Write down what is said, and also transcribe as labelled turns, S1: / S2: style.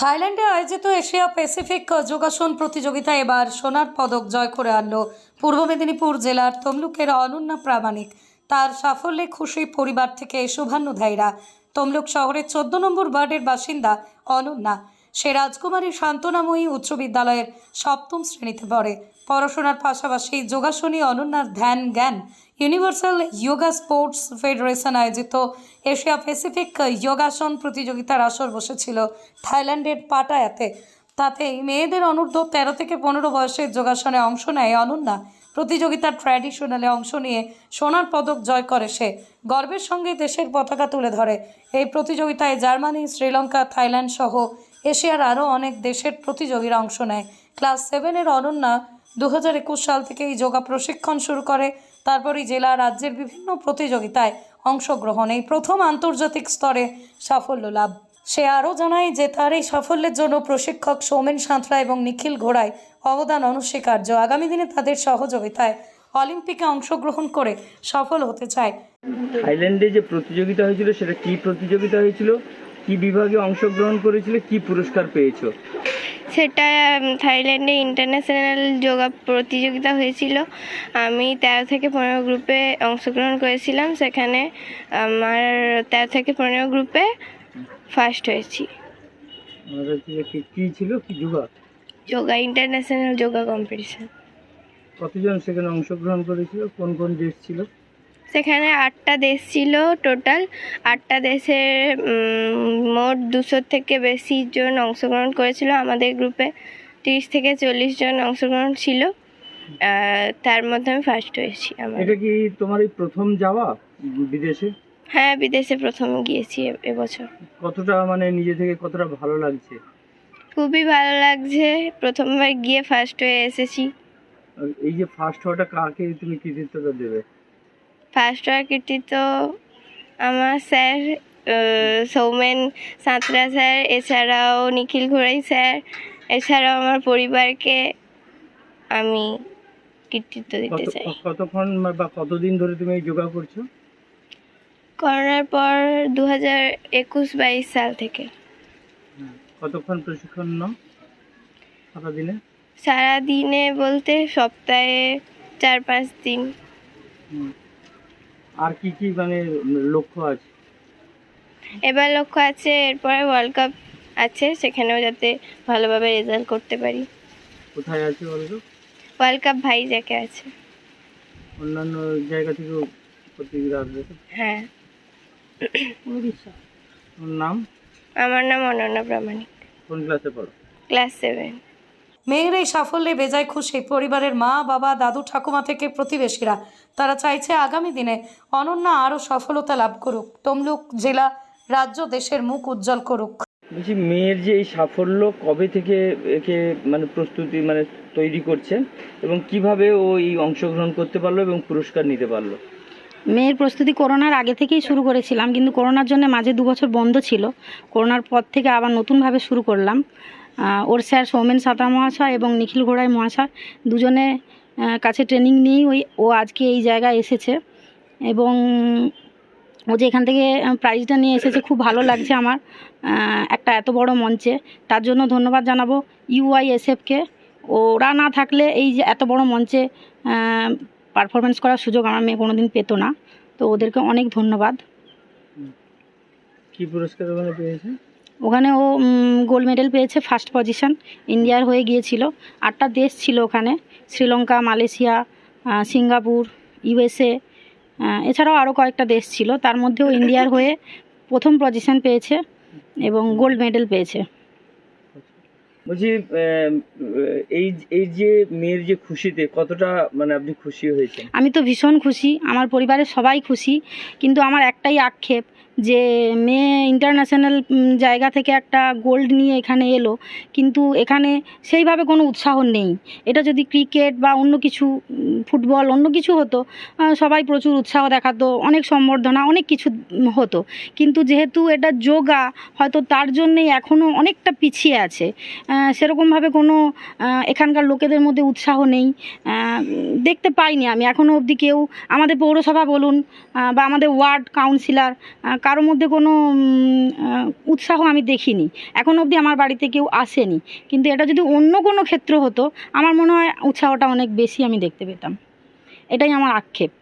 S1: থাইল্যান্ডে আয়োজিত Asia Pacific যোগাসন প্রতিযোগিতায় এবার সোনার পদক জয় করে আনলো পূর্ব মেদিনীপুর জেলার তমলুকের অনন্যা প্রামাণিক। তার সাফল্যে খুশি পরিবার থেকে শুভান্নুধ্যায়ীরা। তমলুক শহরের 14 নম্বর ওয়ার্ডের বাসিন্দা অনন্যা। সে রাজকুমারী শান্তনাময়ী উচ্চ বিদ্যালয়ের 7ম শ্রেণীতে পড়ে। পড়াশোনার পাশাপাশি যোগাসনী অনন্যার ধ্যান জ্ঞান। ইউনিভার্সাল যোগা স্পোর্টস ফেডারেশন আয়োজিত এশিয়া প্যাসিফিক যোগাসন প্রতিযোগিতার আসর বসেছিল থাইল্যান্ডের পাটায়াতে। তাতেই মেয়েদের অনূর্ধ্ব 13 থেকে 15 বয়সের যোগাসনে অংশ নেয় অনন্যা। প্রতিযোগিতার ট্র্যাডিশনালে অংশ নিয়ে সোনার পদক জয় করে সে। গর্বের সঙ্গে দেশের পতাকা তুলে ধরে। এই প্রতিযোগিতায় জার্মানি, শ্রীলঙ্কা, থাইল্যান্ড সহ এশিয়ার আরও অনেক দেশের প্রতিযোগীরা অংশ নেয়। ক্লাস 7-এর অনন্যা 2021 সাল থেকে এই যোগা প্রশিক্ষণ শুরু করে। তারপরই জেলা রাজ্যের বিভিন্ন প্রতিযোগিতায় অংশগ্রহণ, এই প্রথম আন্তর্জাতিক স্তরে সাফল্য লাভ। সে আরও জানায় যে তার এই সাফল্যের জন্য প্রশিক্ষক সৌমেন সাঁতরা এবং নিখিল ঘোড়ায় অবদান অনস্বীকার্য। আগামী দিনে তাদের সহযোগিতায় অলিম্পিকে অংশগ্রহণ করে সফল হতে চায়।
S2: থাইল্যান্ডে যে প্রতিযোগিতা হয়েছিল সেটা কি প্রতিযোগিতা হয়েছিল, কি বিভাগে অংশগ্রহণ করেছিল, কি পুরস্কার পেয়েছো?
S3: সেটা থাইল্যান্ডে ইন্টারন্যাশনাল যোগা প্রতিযোগিতা হয়েছিল। আমি 13 থেকে 15 গ্রুপে অংশগ্রহণ করেছিলাম। সেখানে আমার 13 থেকে 15 গ্রুপে ফার্স্ট হয়েছি।
S2: কি ছিল, কি
S3: যোগা ইন্টারন্যাশনাল যোগা কম্পিটিশন।
S2: কতজন সেখানে অংশগ্রহণ করেছিল, কোন কোন দেশ ছিল?
S3: সেখানে 8টা দেশ ছিল টোটাল। 8টা দেশের মোট 200 থেকে বেশি জন অংশগ্রহণ করেছিল। আমাদের গ্রুপে 30 থেকে 40 জন অংশগ্রহণ ছিল। তার মধ্যে আমি ফার্স্ট হয়েছি।
S2: এটা কি তোমার এই প্রথম যাওয়া বিদেশে?
S3: হ্যাঁ, বিদেশে প্রথম গিয়েছি এবছর।
S2: কতটা নিজে থেকে কতটা ভালো লাগছে?
S3: খুবই ভালো লাগছে, প্রথমবার গিয়ে ফার্স্ট হয়ে এসেছি।
S2: এই যে ফার্স্ট হওয়াটা, কাকে তুমি কৃতিত্বটা দেবে?
S3: ফার্স্ট হওয়ার কৃতিত্ব আমার স্যার সৌমেন সাঁতরা স্যার, এছাড়াও নিখিল ঘোড়াই স্যার, এছাড়াও আমার পরিবারকে আমি কৃতিত্ব দিতে চাই।
S2: কতক্ষণ বা কতদিন ধরে তুমি এই যোগা করছো?
S3: করোনার পর 2021-22 সাল থেকে।
S2: কতক্ষণ প্রশিক্ষণ নাও সারাদিনে?
S3: সারাদিনে বলতে সপ্তাহে 4-5 দিন।
S2: আর কি কি লক্ষ্য আছে?
S3: এবার লক্ষ্য আছে, এরপরে ওয়ার্ল্ড কাপ আছে, সেখানেও যাতে ভালোভাবে রেজাল্ট করতে পারি।
S2: কোথায় আছে
S3: ওয়ার্ল্ড কাপ ভাইজ্যাকে আছে।
S2: অন্যান্য জায়গা থেকেও প্রতিযোগিতা আসবে?
S3: হ্যাঁ।
S2: নাম?
S3: আমার নাম অনন্যা প্রামাণিক।
S2: কোন ক্লাসে পড়ো?
S3: ক্লাস 7।
S1: মেয়ের এই সাফল্যে বেজায় খুশি পরিবারের মা, বাবা, দাদু, ঠাকুমা থেকে প্রতিবেশীরা। তারা চাইছে আগামী দিনে অনন্যা আরও সফলতা লাভ করুক, তমলুক জেলা, রাজ্য, দেশের মুখ উজ্জ্বল করুক।
S2: বলছি, মেয়ের যে এই সাফল্য কবে থেকে একে প্রস্তুতি তৈরি করছেন এবং কিভাবে ও এই অংশগ্রহণ করতে পারলো এবং পুরস্কার নিতে পারলো?
S4: মেয়ের প্রস্তুতি করোনার আগে থেকেই শুরু করেছিলাম, কিন্তু করোনার জন্য মাঝে 2 বছর বন্ধ ছিল। করোনার পর থেকে আবার নতুনভাবে শুরু করলাম। ওর স্যার সৌমেন সাঁতরা মহাশয় এবং নিখিল ঘোড়াই মহাশয় দুজনে কাছে ট্রেনিং নিয়েই ও আজকে এই জায়গায় এসেছে এবং ও যে এখান থেকে প্রাইজটা নিয়ে এসেছে, খুব ভালো লাগছে আমার একটা এত বড় মঞ্চে। তার জন্য ধন্যবাদ জানাবো UISFকে। ওরা না থাকলে এই যে এত বড় মঞ্চে পারফরমেন্স করার সুযোগ আমার মেয়ে কোনোদিন পেত না। তো ওদেরকে অনেক ধন্যবাদ।
S2: কি পুরস্কার পেয়েছে?
S4: ওখানে ও গোল্ড মেডেল পেয়েছে, ফার্স্ট পজিশন। ইন্ডিয়ার হয়ে গিয়েছিল। 8টা দেশ ছিল ওখানে, শ্রীলঙ্কা, মালয়েশিয়া, সিঙ্গাপুর, USA, এছাড়াও আরও কয়েকটা দেশ ছিল। তার মধ্যেও ইন্ডিয়ার হয়ে প্রথম পজিশন পেয়েছে এবং গোল্ড মেডেল পেয়েছে।
S2: বলছি, এই যে মেয়ের যে খুশিতে কতটা আপনি খুশি হয়েছেন?
S4: আমি তো ভীষণ খুশি, আমার পরিবারের সবাই খুশি, কিন্তু আমার একটাই আক্ষেপ যে মেয়ে ইন্টারন্যাশনাল জায়গা থেকে একটা গোল্ড নিয়ে এখানে এলো, কিন্তু এখানে সেইভাবে কোনো উৎসাহ নেই। এটা যদি ক্রিকেট বা অন্য কিছু, ফুটবল, অন্য কিছু হতো, সবাই প্রচুর উৎসাহ দেখাতো, অনেক সম্বর্ধনা, অনেক কিছু হতো। কিন্তু যেহেতু এটা যোগা, হয়তো তার জন্যেই এখনও অনেকটা পিছিয়ে আছে। সেরকমভাবে কোনো এখানকার লোকেদের মধ্যে উৎসাহ নেই, দেখতে পাইনি আমি এখনও অবধি কেউ। আমাদের পৌরসভা বলুন বা আমাদের ওয়ার্ড কাউন্সিলর কারোর মধ্যে কোনো উৎসাহ আমি দেখিনি, এখন অবধি আমার বাড়িতে কেউ আসেনি। কিন্তু এটা যদি অন্য কোনো ক্ষেত্র হতো আমার মনে হয় উৎসাহটা অনেক বেশি আমি দেখতে পেতাম, এটাই আমার আক্ষেপ।